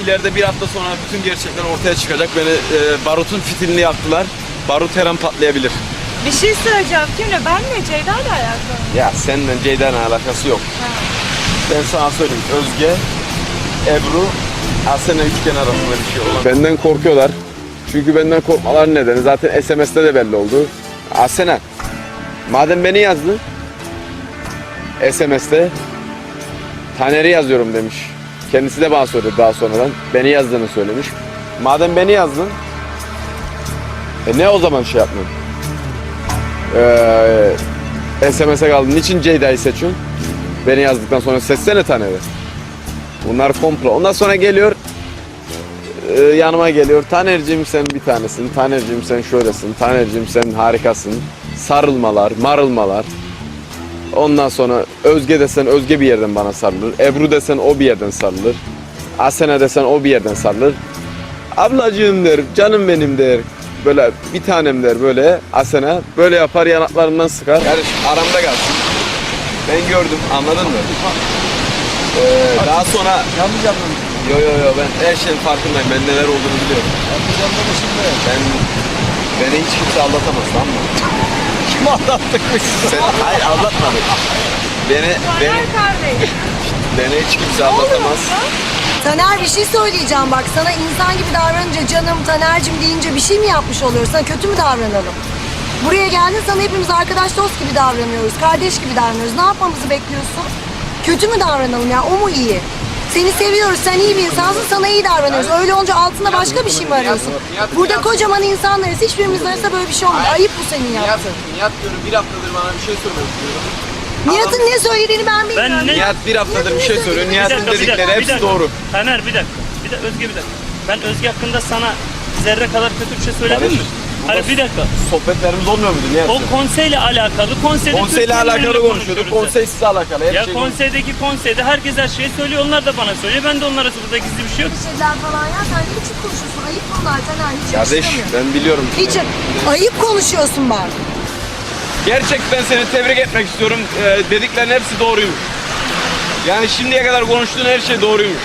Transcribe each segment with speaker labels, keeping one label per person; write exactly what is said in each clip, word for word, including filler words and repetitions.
Speaker 1: ileride bir hafta sonra bütün gerçekler ortaya çıkacak. Beni e, barutun fitilini yaktılar. Barut her an patlayabilir.
Speaker 2: Bir şey söyleyeceğim. Kimle? Benle Ceyda'yla alakalı.
Speaker 1: Ya seninle Ceyda'nın alakası yok.
Speaker 2: Ha.
Speaker 1: Ben sana söyleyeyim. Özge, Ebru, Asena üçgen arasında bir şey olan. Benden korkuyorlar. Çünkü benden korkmaların nedeni zaten S M S'te de belli oldu. Asena, madem beni yazdın S M S'te Taner'i yazıyorum demiş. Kendisi de bana söyledi daha sonradan. Beni yazdığını söylemiş. Madem beni yazdın, e ne o zaman şey yapmıyorsun? Ee, S M S'e kaldın. Niçin Ceyda'yı seçiyorsun? Beni yazdıktan sonra seçsene Taner'i. Bunlar komplo. Ondan sonra geliyor, e, yanıma geliyor. Taner'cim sen bir tanesin. Taner'cim sen şöylesin. Taner'cim sen harikasın. Sarılmalar, marılmalar. Ondan sonra Özge desen Özge bir yerden bana sarılır. Ebru desen o bir yerden sarılır. Asena desen o bir yerden sarılır. Ablacığım der, canım benim der. Böyle bir tanem der böyle Asena. Böyle yapar, yanaklarından sıkar. Yani aramda kalsın. Ben gördüm, anladın mı? Ee, daha sonra...
Speaker 3: Yanlış anladım.
Speaker 1: Yo yo yo, ben her şeyin farkındayım. Ben neler olduğunu biliyorum.
Speaker 3: Yanlış anlamışım be.
Speaker 1: Ben... Beni hiç kimse aldatamaz, tamam mı?
Speaker 3: Kim aldattıkmış?
Speaker 1: Sen, hayır, aldatmadı. Beni, beni,
Speaker 2: Taner kardeş.
Speaker 1: beni hiç kimse aldatamaz.
Speaker 4: Taner, bir şey söyleyeceğim bak, sana insan gibi davranınca canım Taner'cim deyince bir şey mi yapmış oluyoruz? Sana kötü mü davranalım? Buraya geldin, sana hepimiz arkadaş dost gibi davranıyoruz, kardeş gibi davranıyoruz. Ne yapmamızı bekliyorsun? Kötü mü davranalım ya, o mu iyi? Seni seviyoruz, sen iyi bir insansın, sana iyi davranıyoruz. Öyle olunca altında başka bir şey mi arıyorsun? Burada kocaman insanlarız, hiçbirimizin arasında böyle bir şey olmuyor. Ayıp bu senin
Speaker 1: Nihat,
Speaker 4: yaptığın.
Speaker 1: Nihat diyorum bir haftadır bana bir şey söylüyor.
Speaker 4: Nihat'ın ne söylediğini ben bilmiyorum.
Speaker 5: Ben ne-
Speaker 1: Nihat bir haftadır bir şey söylüyor.
Speaker 5: Bir
Speaker 1: Nihat'ın
Speaker 5: dakika, bir
Speaker 1: dedikleri
Speaker 5: dakika, bir
Speaker 1: hepsi
Speaker 5: dakika.
Speaker 1: doğru.
Speaker 5: Taner bir dakika. Bir de Özge bir dakika. Ben Özge hakkında sana zerre kadar kötü bir şey söyledim mi?
Speaker 1: Kardeşim,
Speaker 5: Hayır bir dakika.
Speaker 1: Sohbetlerimiz olmuyor muydu Nihat?
Speaker 5: O konseyle alakalı. Konseyde
Speaker 1: Konseyle
Speaker 5: Türkiye'nin
Speaker 1: alakalı
Speaker 5: önünde
Speaker 1: konuşuyorduk.
Speaker 5: konuşuyoruz
Speaker 1: Konsey size alakalı. Her
Speaker 5: Ya
Speaker 1: şey
Speaker 5: konseydeki konseyde herkes her şeyi söylüyor. Onlar da bana söylüyor. Ben de onlara burada gizli bir şey yok.
Speaker 4: Bir şeyler falan ya, sen ne biçim konuşuyorsun? Ayıp bunlar Taner, hiç
Speaker 1: Kardeş
Speaker 4: yakıştıramıyorum.
Speaker 1: ben biliyorum.
Speaker 4: Hiç ayıp konuşuyorsun bak.
Speaker 1: Gerçekten seni tebrik etmek istiyorum. Ee, dediklerin hepsi doğruymuş. Yani şimdiye kadar konuştuğun her şey doğruymuş.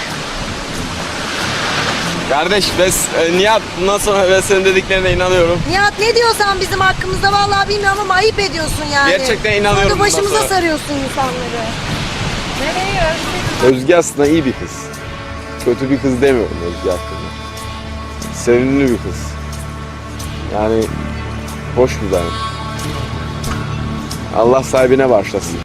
Speaker 1: Kardeş biz, e, Nihat bundan sonra ben senin dediklerine inanıyorum.
Speaker 4: Nihat ne diyorsan bizim hakkımızda vallahi bilmiyorum ama ayıp ediyorsun yani.
Speaker 1: Gerçekten inanıyorum
Speaker 4: Sonra da başımıza
Speaker 1: bundan sonra.
Speaker 4: sarıyorsun insanları.
Speaker 2: Nereye Özge?
Speaker 1: Özge aslında iyi bir kız. Kötü bir kız demiyorum Özge hakkında. Sevimli bir kız. Yani hoş bir tane. Allah sahibine bağışlasın.